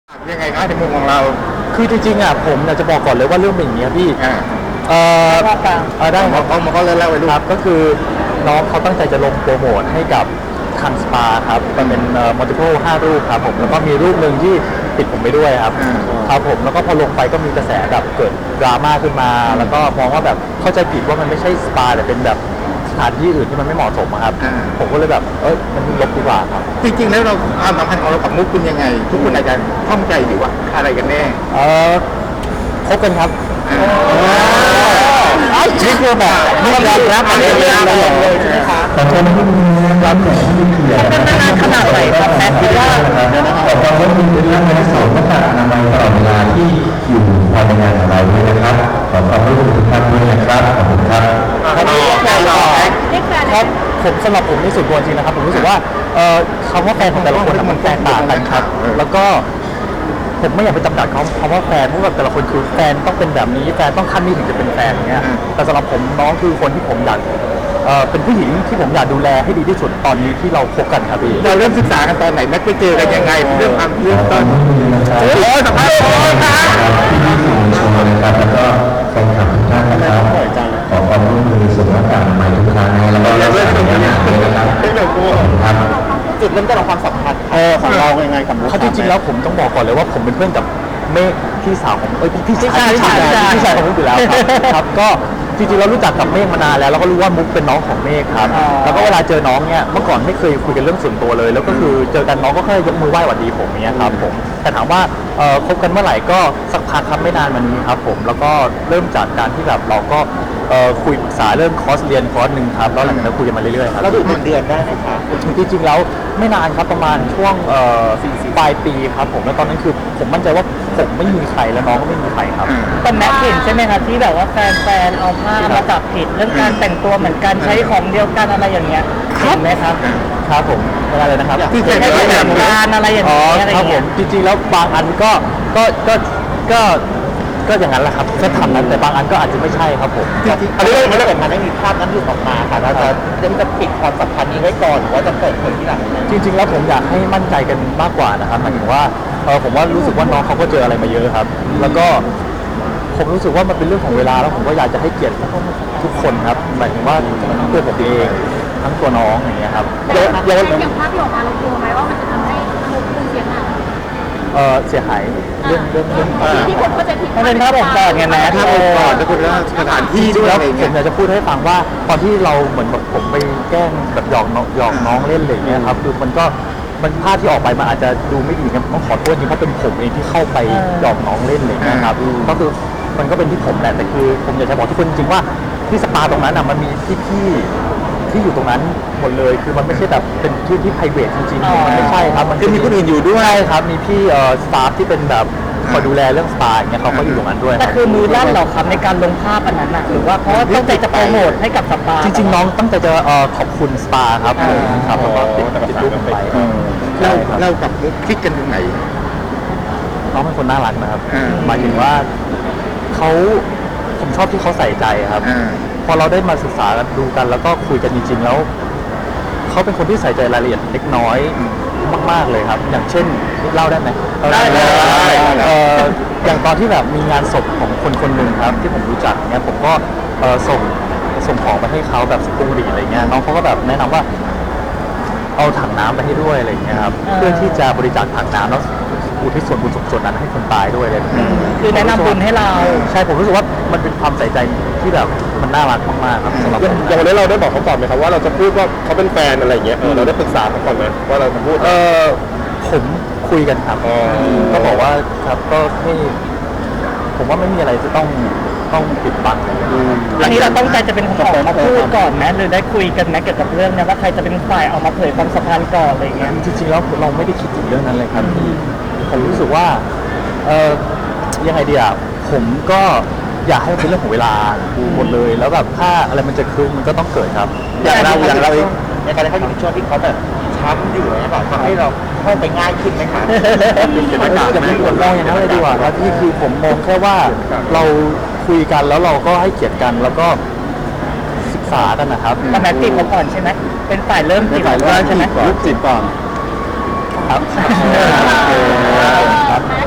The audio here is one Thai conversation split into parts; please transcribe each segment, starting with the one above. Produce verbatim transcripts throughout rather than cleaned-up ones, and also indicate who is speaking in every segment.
Speaker 1: ยังไงครับในมุมของเรา
Speaker 2: คือจริงๆอ่ะผมอยากจะบอกก่อนเลยว่าเรื่องเป็นอย่างนี้พี่
Speaker 1: อ่า
Speaker 2: เอ่อเออได้ค
Speaker 1: เขา
Speaker 2: รับ
Speaker 1: เขามาก็เล่าเล่าไปดู
Speaker 2: ครับก็คือน้องเขาตั้งใจจะลงโปรโมทให้กับคันสปาครับมันเป็นเอ่อมัลติเพลห้ารูปครับผมแล้วก็มีรูปหนึ่งที่ติดผมไปด้วยครับครับผมแล้วก็พอลงไปก็มีกระแสแบบเกิดดราม่าขึ้นมา แล้วก็มองว่าแบบเข้าใจผิดว่ามันไม่ใช่สปาแต่เป็นแบบสถานที่อื่นที่มันไม่เหมาะสมอะครับผมก็เลยแบบเอ้ยมันลบดีกว่าครับ
Speaker 1: จริงๆแล้วเราความสัมพันธ์ของเรากับมุกเป็นยังไง ทุกคนอาจจะข้องใจอยู่ว่าอะไรกันแน่
Speaker 2: เออคบกันครับนี่คือแบบไม่ยอมรับอะไรเลยเลยใช่ไหมคะขอโทษที่มีรับแขกที่มีเกียรติเป็นนานขนาดไหนครับแม่คิดว่า
Speaker 3: ขอความร่วมมือในเรื่องการสอนหน้ากากอนามัยตลอดเวลาที่อยู่ภายในงานของเราด้วยนะครับขอความร่วมมือทุกท่านด้วยนะครับขอบคุณครับ
Speaker 2: ครับผมสำหรับผมในส่วนตัวจริงนะครับผมรู้สึกว่าคำว่าแฟนของแต่ละคนมันแตกต่างกันครับแล้วก็ผมไม่อยากไปจำกัดเขาเพราะว่าแฟนเพราะว่าแต่ละคนคือแฟนต้องเป็นแบบนี้แฟนต้องขั้นนี้ถึงจะเป็นแฟนอย่างเงี้ยแต่สำหรับผมน้องคือคนที่ผมอยากเอ่อเป็นผู้หญิงที่ผมอยากดูแลให้ดีที่สุดตอนนี้ที่เราคบกันครับพี่
Speaker 1: เราเริ่มศึกษากันตอนไหนนัดไปเจอกันยังไงเรื่องความเรื่องต้นโอ้โหสัมภาษณ์โอ้ครับ
Speaker 3: ที่สื่อมวลชนนะครับแล้วก็แฟนคลับทุกท่านนะครับขอความร่วมมือสวมหน้ากากอนามัยทุกครั้งนะแล้วก็รักษาระยะห่างด้วยนะครับครับ
Speaker 2: จุดเริ่มต้นของความสัมพันธ์
Speaker 1: ของเรายังไงกับมุก
Speaker 2: เขาจริงๆแล้วผมต้องบอกก่อนเลยว่าผมเป็นเพื่อนกับเมฆพี่สาวของเอ้ยพี่ชายพี่ชายพี่ชายของมุกอยู่แล้วครับก็จริงๆเรารู้จักกับเมฆมานานแล้วเราก็รู้ว่ามุกเป็นน้องของเมฆครับแล้วก็เวลาเจอน้องเนี่ยเมื่อก่อนไม่เคยคุยกันเรื่องส่วนตัวเลยแล้วก็คือเจอกันน้องก็แค่ยกมือไหว้หวัดดีผมเนี่ยครับผมแต่ถามว่าคบกันเมื่อไหร่ก็สักพักครับไม่นานมานี้ครับผมแล้วก็เริ่มจากการที่แบบเราก็คุยปรึกษาเรื่องคอร์สเรียนคอร์สหนึ่งครับแล้วหลังจากนั้นคุยกันมาเรื่อยๆครับ
Speaker 1: เราดูเป็นเดือนได้ไหมครับ
Speaker 2: จริงๆแล้วไม่นานครับประมาณช่วงปลายปีครับผมแล้วตอนนั้นคือผมมั่นใจว่าผมไม่มีใครแล้วน้องก็ไม่มีใครครับ
Speaker 4: แต่แม็กเห็นใช่ไหมครับที่แบบว่าแฟนๆเอาผ้ามาจับผิดเรื่องการแต่งตัวเหมือนกันใช้ของเดียวกันอะไรอย่างเงี้ยเห็นไหมครับ
Speaker 2: ครับผมอะไรนะครับ
Speaker 4: ที่ใช้แต่งงานอะไรอย่างเงี้ย
Speaker 2: ครับผมจริงๆแล้วบางอันก็ก็ก็ก็ก็อย่างนั้นแหละครับก็ทำนั้นแต่บางอันก็อาจจะไม่ใช่ครับผม
Speaker 1: อันนี้มันถ้าเกิดมันไม่มีภาพนั้นหลุดออกมาค่ะเราจะจะปิดความสัมพันธ์นี้ไว้ก่อนหรือว่าจะเปิดเผยที่หลัง
Speaker 2: จริงๆแล้วผมอยากให้มั่นใจกันมากกว่านะครับหมายถึงว่าเออผมว่ารู้สึกว่าน้องเขาก็เจออะไรมาเยอะครับแล้วก็ผมรู้สึกว่ามันเป็นเรื่องของเวลาแล้วผมก็อยากจะให้เกียรติทุกคนครับหมายถึงว่าทั้งตัวผมเองทั้งตัวน้องอย่างเงี้ยครับ
Speaker 5: เยอะเยอะอย่างภาพที่ออกมาเรากลัวไหมว่ามันจะทำให้มุกคุณเสียหาย
Speaker 2: เออเสียหายเรื่องเรื่องเรื่อง
Speaker 5: ที่คนเข้าใจผิด
Speaker 4: มันเป็นภาพองค์กรไงนะ
Speaker 1: ภาพองค์กรจะคุณว่าสถานที่ด้วย
Speaker 2: แล้ว
Speaker 1: อะไร
Speaker 2: ผมอยากจะพูดให้ฟังว่าตอนที่เราเหมือนแบบผมไปแกล้งแบบหยอกน้องหยอกน้องเล่นอะไรอย่างเงี้ยครับคือมันก็มันภาพที่ออกไปมันอาจจะดูไม่ดีครับต้องขอโทษจริงเพราะเป็นผมเองที่เข้าไปหยอกน้องเล่นอะไรอย่างเงี้ยครับก็คือมันก็เป็นที่ผมแหละแต่คือผมอยากจะบอกทุกคนจริงว่าที่สปาตรงนั้นอ่ะมันมีพี่ๆที่อยู่ตรงนั้นหมดเลยคือมันไม่ใช่แบบเป็นที่ที่ private จริงๆมันไม่ใช่ครับมัน
Speaker 1: คือมีคนอื่นอยู่ด้วย
Speaker 2: ครับมีพี่เอ่อสตาฟที่เป็นแบบคอยดูแลเรื่องสปาอย่างเงี้ยเขาก็อยู่ตรงนั้นด้วย
Speaker 4: แต่คือมือลั่นเราครับในการลงภาพอันนั้นนะหรือว่าเพราะว่าตั้งใจจะโปรโมทให้กับสปา
Speaker 2: จริงๆน้องตั้งใจจะเอ่อขอบคุณสปาครับครับแล้วก็ติดติดรูปไป
Speaker 1: เราเรากับมุกคลิกกันตรงไหน
Speaker 2: น้องเป็นคนน่ารักนะครับหมายถึงว่าเขาผมชอบที่เขาใส่ใจครับพอเราได้มาศึกษากันดูกันแล้วก็คุยกันจริงๆแล้วเขาเป็นคนที่ใส่ใจรายละเอียดเล็กน้อยมากๆเลยครับอย่างเช่นเล่าได้ไหม
Speaker 1: ได้ได้
Speaker 2: อย่างตอนที่แบบมีงานศพของคนคนหนึ่งครับที่ผมรู้จักเนี่ยผมก็ส่งส่งของไปให้เขาแบบสุขุมวิทอะไรเงี้ยน้องเขาก็แบบแนะนำว่าเอาถังน้ำไปให้ด้วยอะไรเงี้ยครับเพื่อที่จะบริจาคถังน้ำแล้วอุทิศส่วนบุญส่วนนั้นให้คนตายด้วยเลย
Speaker 4: คือแนะนำบุญให้เรา
Speaker 2: ใช่ผมรู้สึกว่ามันเป็นความใส่ใจที่แบบมันน่ารักมากๆครับสำหรับ
Speaker 6: อย่างวันนี้เราได้บอกเขาก่อนไหมครับว่าเราจะพูดว่าเขาเป็นแฟนอะไรอย่างเงี้ยเราได้ปรึกษาเขาก่อนไหมว่าเราจะพูด
Speaker 2: เออผมคุยกันครับก็บอกว่าครับก็ไม่ผมว่าไม่มีอะไรจะต้องต้องปิดบัง
Speaker 4: อันนี้เราต้องใจจะเป็นคนออกมาพูดก่อนไหมหรือได้คุยกันไหมเกี่ยวกับเรื่องนี้ว่าใครจะเป็นฝ่ายออกมาเผยความสัมพันธ์ก่อนอะไรเงี้ย
Speaker 2: จริงๆแล้วเราไม่ได้คิดถึงเรื่องนั้นเลยครับผมรู้สึกว่าเออยังไงดีอ่ะผมก็อยากให้มันเป็นเรื่องของเวลาหมดเลยแล้วแบบถ้าอะไรมันจะคืนมันก็ต้องเกิดครับ
Speaker 1: อย่างเราอย่างเราเองในการที่เขาอยู่ในช่วงที่เขาแบบช้ำอยู่เนี่ยแบบทำให้เราเข้าไปง่ายขึ้นไหมครับ
Speaker 2: อย่าไปกดมองอย่างนั้นเลยดีกว่าครับที่คือผมมองแค่ว่าเราคุยกันแล้วเราก็ให้เกียรติกันแล้วก็ศึกษากันนะครับ
Speaker 4: แต่แม็กติดเขาก่อนใช่ไหมเป็นฝ่ายเริ่มติด
Speaker 2: ใช่ไหม
Speaker 1: รูปจิตก่อน
Speaker 2: ครับ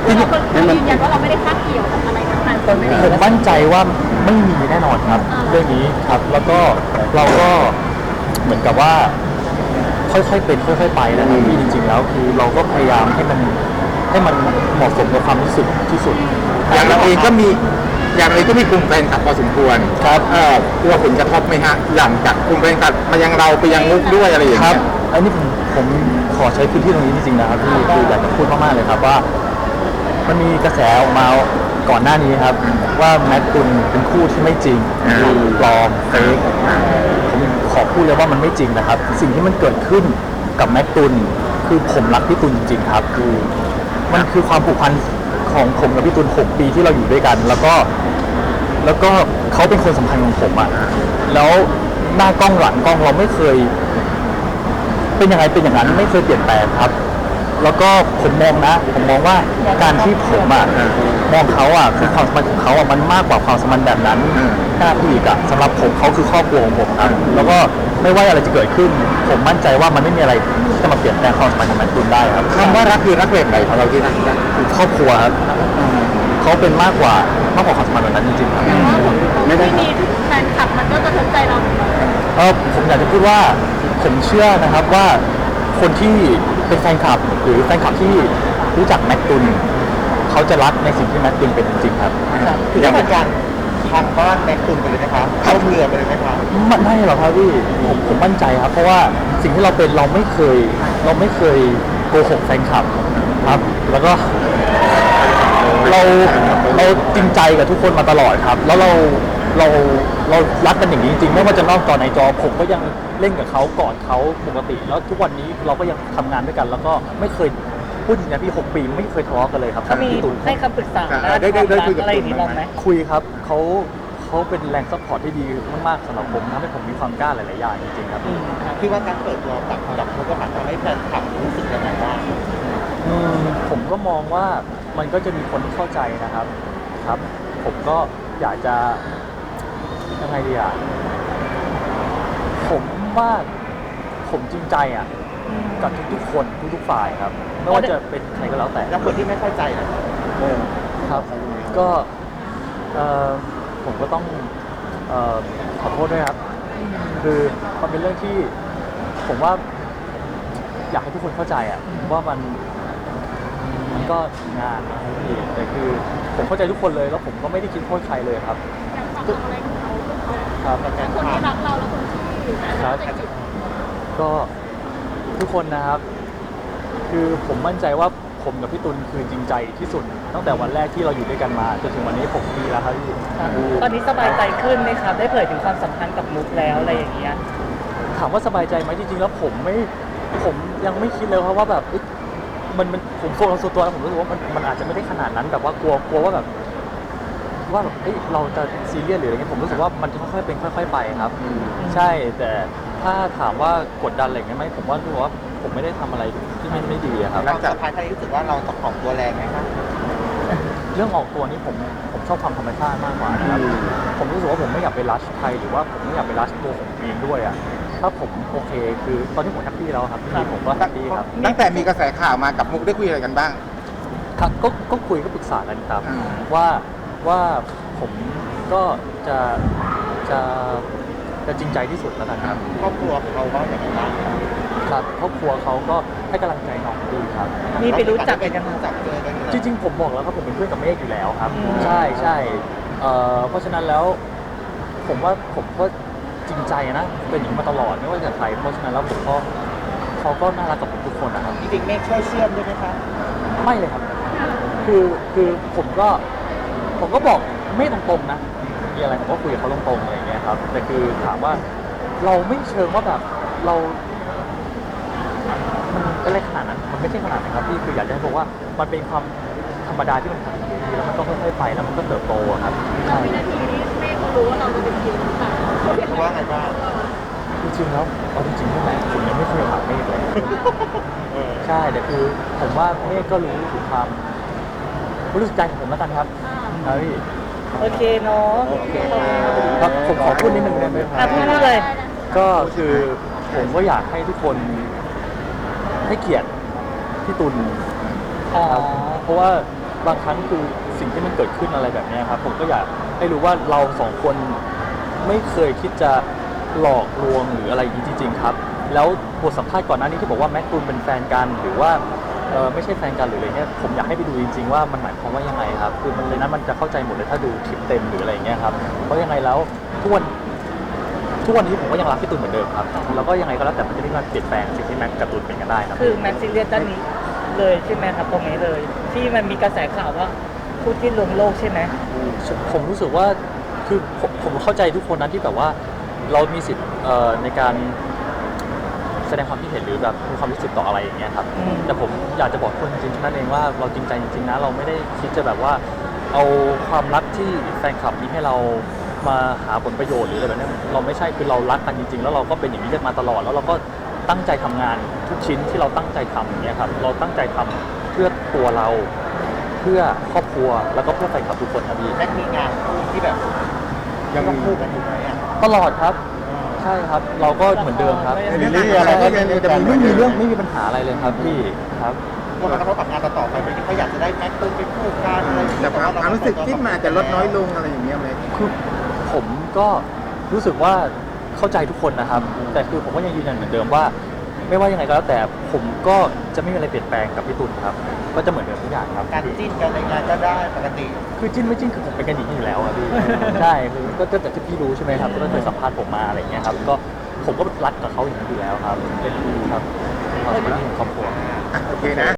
Speaker 5: เรายืนยันว่าเราไม่ได้คาบเกี่ยวกับอะไรทั้งนั้นคนไม่ได้
Speaker 2: ผมมั่นใจว่าไม่มีแน่นอนครับ เรื่องนี้ครับ แล้วก็เราก็เหมือนกับว่า ค่อยๆเป็นค่อยๆไปนะครับที่จริงๆแล้วคือเราก็พยายามให้มันให้มันเหมาะสมกับความรู้สึกที่สุด
Speaker 7: อย่างเราเองก็มีอย่างเราเองก็มีกลุ่มแฟนคลับพอสมควร
Speaker 2: ครับ
Speaker 7: เออกลัวผลกระทบไหมฮะหลังจากกลุ่มแฟนคลับมายังเราไปยังมุกด้วยอะไรอย่าง
Speaker 2: ครั
Speaker 7: เงี้
Speaker 2: บ
Speaker 7: ย
Speaker 2: อันนี้ผมผมขอใช้พื้นที่ตรงนี้จริงๆนะครับที่คืออยากจะพูดมากๆเลยครับว่า มันมีกระแสออกมาก่อนหน้านี้ครับ ว่าแมทตุลเป็นคู่ที่ไม่จริงคือปลอมเฟกผมขอพูดเลยว่ามันไม่จริงนะครับ สิ่งที่มันเกิดขึ้นกับแมทตุลคือผมรักพี่ตุลจริงๆครับคือมันคือความผูกพันของผมกับพี่ตุลหกปีที่เราอยู่ด้วยกัน แล้วก็ แล้วก็เขาเป็นคนสำคัญของผมอะแล้วหน้ากล้องหลังกล้องเราไม่เคย เป็นยังไงเป็นอย่างนั้นไม่เคยเปลี่ยนแปลงครับ แล้วก็ผมมองนะ ผมมองว่าการที่ผมอะมองเขาอะคือความสัมพันธ์ของเขาอะมันมากกว่าความสัมพันธ์แบบนั้นหน้าพี่อีกอะสำหรับผมเขาคือครอบครัวของผมครับแล้วก็ไม่ว่าอะไรจะเกิดขึ้น ผมมั่นใจว่ามันไม่มีอะไรที่จะมาเปลี่ยนแปลงความสัมพันธ์ของแมทตุลได้ครับ
Speaker 7: คำว่ารักคือรักแบบไหนของเราที่นั่น
Speaker 2: คือครอบครัวครับเขาเป็นมากกว่ามากกว่าความสัมพันธ์แบบนั้นจริงๆครับ
Speaker 5: ไม่ได้มีแฟนคลับมันก็กระทบใจเราเหมือนกัน
Speaker 2: เออผมอยากจะพูดว่าผมเชื่อนะครับว่าคนที่เป็นแฟนคลับหรือแฟนคลับที่รู้จักแมทตุลเขาจะรักในสิ่งที่แมทตุลเป็นจริงๆครับ
Speaker 1: คือจะเป็นการพังบ้านแม็กตุนไปเลยไหมคะเข้าเรือไปเลยไหมคะ
Speaker 2: ไม่ไม่หรอกครับพี่ผมผมมั่นใจครับ เพราะว่าสิ่งที่เราเป็นเราไม่เคย เราไม่เคยโกหกแฟนคลับครับ แล้วก็ เราเราจริงใจกับทุกคนมาตลอดครับ แล้วเราเราเรารักกันอย่างนี้จริงๆไม่ว่าจะนอกจอในจอผมก็ยังเล่นกับเขากอดเขาปกติ แล้วทุกวันนี้เราก็ยังทำงานด้วยกัน แล้วก็ไม่เคยพูดจริงนะพี่หกปีไม่เคยทะเลาะกันเลยครับ
Speaker 4: เขามี
Speaker 2: พี่ตุล
Speaker 4: ให้คำปรึกษา
Speaker 7: ได้ได้ได้คุยกับ
Speaker 4: อะไรอย่างนี้บ้างไหม
Speaker 2: คุยครับเขาเขาเป็นแรงซัพพอร์ตที่ดีมากๆสำหรับผมทำให้ผมมีความกล้าหลายๆอย่างจริงๆครับ
Speaker 4: อืมครับ
Speaker 1: คิดว่าการเปิดตัวกับกับมุกก็ทำให้แฟนคลับรู้สึกยังไงบ้าง
Speaker 2: อืมผมก็มองว่ามันก็จะมีคนที่เข้าใจนะครับครับ ผมก็อยากจะยังไงดีอ่ะผมว่าผมจริงใจอ่ะกับทุกๆคนทุกๆฝ่ายครับ ไม่ว่าจะเป็นใครก็แล้วแต่
Speaker 1: แล้วคนที่ไม่เข้าใจนะ
Speaker 2: ครับ ก็เอ่อผมก็ต้องเอ่อขอโทษด้วยครับ คือมันเป็นเรื่องที่ผมว่า อยากให้ทุกคนเข้าใจอ่ะว่ามันมันก็งานนะครับพี่แต่คือผมเข้าใจทุกคนเลยแล้วผมก็ไม่ได้คิดโทษใครเลยครับ
Speaker 5: อยากฝากอะไรถึงเขา
Speaker 2: ครับ
Speaker 5: ทั้งคนที่รักเราและคนที่เราใจจิต
Speaker 2: ก็ทุกคนนะครับ คือผมมั่นใจว่าผมกับพี่ตุลคือจริงใจที่สุดตั้งแต่วันแรกที่เราอยู่ด้วยกันมาจนถึงวันนี้หกปีแล้วครับพี่
Speaker 4: ตอนนี้สบายใจขึ้นไหมครับ ได้เผยถึงความสัมพันธ์กับมุกแล้วอะไรอย่างเงี้ย
Speaker 2: ถามว่าสบายใจไหมจริงๆแล้วผมไม่ผมยังไม่คิดเลยครับว่าแบบเอ๊ะมันมันผมโซนส่วนตัวแล้วผมรู้สึกว่ามันมันอาจจะไม่ได้ขนาดนั้นแบบว่ากลัวกลัวว่าแบบว่าแบบเอ้ยเราจะซีเรียสหรืออะไรเงี้ยผมรู้สึกว่ามันค่อยๆเป็นค่อย ๆ ไปครับ ใช่แต่ถ้าถามว่ากดดันอะไรเงี้ยไหมผมว่ารู้สึกว่าผมไม่ได้ทำอะไรที่ไม่ไม่ดีอะครับ
Speaker 1: เราจะพายใครรู้สึกว่าเราต้องออกตัวแรงไหมคะ
Speaker 2: เรื่องออกตัวนี้ผมผมชอบความธรรมชาติมากกว่านะครับผมรู้สึกว่าผมไม่อยากไปรัชใครหรือว่าผมไม่อยากไปรัชตัวผมเองด้วยอ่ะถ้าผมโอเคคือตอนนี้ผมแฮปปี้แล้วครับพี่ผมก็แฮปปี้ครับ
Speaker 7: ตั้งแต่มีกระแสข่าวมากับมุกได้คุยอะไรกันบ้าง
Speaker 2: ครับก็ก็คุยก็ปรึกษากันครับ
Speaker 7: อ่า
Speaker 2: ว่าว่าผมก็จะจะจะจริงใจที่สุดแล้วกันครับ
Speaker 1: ครอบครัวเขาว่าอย่างไรบ้าง
Speaker 2: ครับครอบครัวเขาก็ให้กำลังใจน้องดีครับ
Speaker 4: มีไปรู้จักกันยัง
Speaker 1: รู้จักเจอกันอยู่
Speaker 2: จริงๆผมบอกแล้วครับผมเป็นเพื่อนกับเมฆอยู่แล้วครับ
Speaker 4: อืม
Speaker 2: ใช่ใช่เอ่อเพราะฉะนั้นแล้ว ผมว่าผมก็จริงใจนะเป็นอย่างนี้มาตลอดไม่ว่าจะใครเพราะฉะนั้นแล้วผมก็เขาก็น่ารักกับผมทุกคนนะครับ
Speaker 1: จริงๆเมฆช่วยเชื่อมด้วยไหมคะ
Speaker 2: ไม่เลยครับ คือคือผมก็ผมก็บอกไม่ตรงๆนะมีอะไรผมก็คุยกับเขาตรงๆอะไรอย่างเงี้ยครับแต่คือถามว่าเราไม่เชิงว่าแบบเรา มันอะไรขนาดนั้น มันไม่ใช่ขนาดนั้นครับพี่ คืออยากจะให้บอกว่ามันเป็นความธรรมดาที่มันทำดีแล้วมันก็ค่อยๆไปแล้วมันก็เติบโตอะครับ
Speaker 5: เรา
Speaker 2: ใช่
Speaker 5: วินาทีนี้แม่เขารู้ว่าเราจะเป็นทีมหรือเปล่า
Speaker 1: เขาว่าไงบ้าง
Speaker 2: จริงๆแล้วเอาจริงๆใช่ไหมผมยังไม่เคยถามเมฆเลย ใช่แต่คือผมว่าเมฆก็รู้ถึงความรู้สึกใจของผมแล้วกันครับครับพี่
Speaker 4: โอเคเนาะ
Speaker 1: โอเค
Speaker 2: ครับผมขอพูดนิดนึงได้ไหมค
Speaker 4: อ่ะ
Speaker 2: รับ
Speaker 4: พูดเลย
Speaker 2: ก็คือผมก็อยากให้ทุกคนให้เกียรติพี่ตุล
Speaker 4: อ๋อ
Speaker 2: ครับเพราะว่าบางครั้งคือสิ่งที่มันเกิดขึ้นอะไรแบบเนี้ยครับผมก็อยากให้รู้ว่าเราสองคนไม่เคยคิดจะหลอกลวงหรืออะไรอย่างนี้จริงๆครับแล้วบทสัมภาษณ์ก่อนหน้านี้ที่บอกว่าแม็กตูนเป็นแฟนกันหรือว่าเออไม่ใช่แฟนกันหรืออะไรเงี้ยผมอยากให้ไปดูจริงๆว่ามันหมายความว่ายังไงครับคือมันในนั้นมันจะเข้าใจหมดเลยถ้าดูคลิปเต็มหรืออะไรเงี้ยครับเพราะยังไงแล้วทุกวันทุกวันนี้ผมก็ยังรักพี่ตูนเหมือนเดิมครับแล้วก็ยังไงก็แล้วแต่มันจะไม่มาเปลี่ยนแปลงสิ่งที่แม็กกับตูนเป็นกันได้นะ
Speaker 4: คือแม็กซิเลียสด้านนี้เลยใช่ไหมครับตรงนี้เลย ที่มันมีกระแสข่าวว่าคู่จิ้นรวมโลกใช่ไหม
Speaker 2: ผมรู้สึกว่าคือผมผมเข้าใจทุกคนนะที่แบบว่าเรามีสิทธิ์เอ่อในการแสดงความคิดเห็นหรือแบบมีความรู้สึกต่ออะไรอย่างเงี้ยครับ
Speaker 4: อืม
Speaker 2: แต่ผมอยากจะบอกคนจริงๆนั่นเองว่าเราจริงใจจริงๆนะเราไม่ได้คิดจะแบบว่าเอาความรักที่แฟนคลับมีให้เรามาหาผลประโยชน์หรืออะไรแบบนี้เราไม่ใช่คือเรารักกันจริงๆแล้วเราก็เป็นอย่างนี้กันมาตลอดแล้วเราก็ตั้งใจทำงานทุกชิ้นที่เราตั้งใจทำอย่างเงี้ยครับเราตั้งใจทำเพื่อตัวเราเพื่อครอบครัวแล้วก็เพื่อแฟนคลับทุกคนครับพี่
Speaker 1: แม็กมีงานคู่ที่แบบยังต้องคู่กันอยู่ไหมอ่ะ
Speaker 2: ตลอดครับใช่ครับเราก็เหมือนเดิมครับ
Speaker 7: เรื่องอะไรก็ยัง
Speaker 2: จะมีไม่มีเรื่องไม่มีปัญหาอะไรเลยครับพี่ครับ
Speaker 1: กลัวมันกระทบกับงานต่อๆไปไหมที่เขาอยากจะได้แม็กตูนเป็นคู่กันอะไรอย่างเงี้ย
Speaker 7: แต่ความความรู้สึกที่มันอาจจะลดน้อยลงอะไรอย่างเงี้ยไหม
Speaker 2: คือผมก็รู้สึกว่าเข้าใจทุกคนนะครับ แต่คือผมก็ยังยืนยันเหมือนเดิมว่า ไม่ว่ายังไงก็แล้วแต่ผมก็จะไม่มีอะไรเปลี่ยนแปลงกับพี่ตุลครับ ก็จะเหมือนเดิมทุกอย่างครับ
Speaker 1: การจิ้นกันในงานก็ได้ปกติ
Speaker 2: คือจิ้นไม่จิ้นคือผมเป็นกันอย่างนี้อยู่แล้วครับพี่ ใช่คือก็ก็แต่ที่พี่รู้ใช่ไหมครับก็เคยสัมภาษณ์ผมมาอะไรอย่างเงี้ยครับก็ผมก็รักกับเขาอย่างนี้อยู่แล้วครับเป็นพี่ครับความเป็นพี่ของครอบครัว
Speaker 7: อ่ะโอเคนะ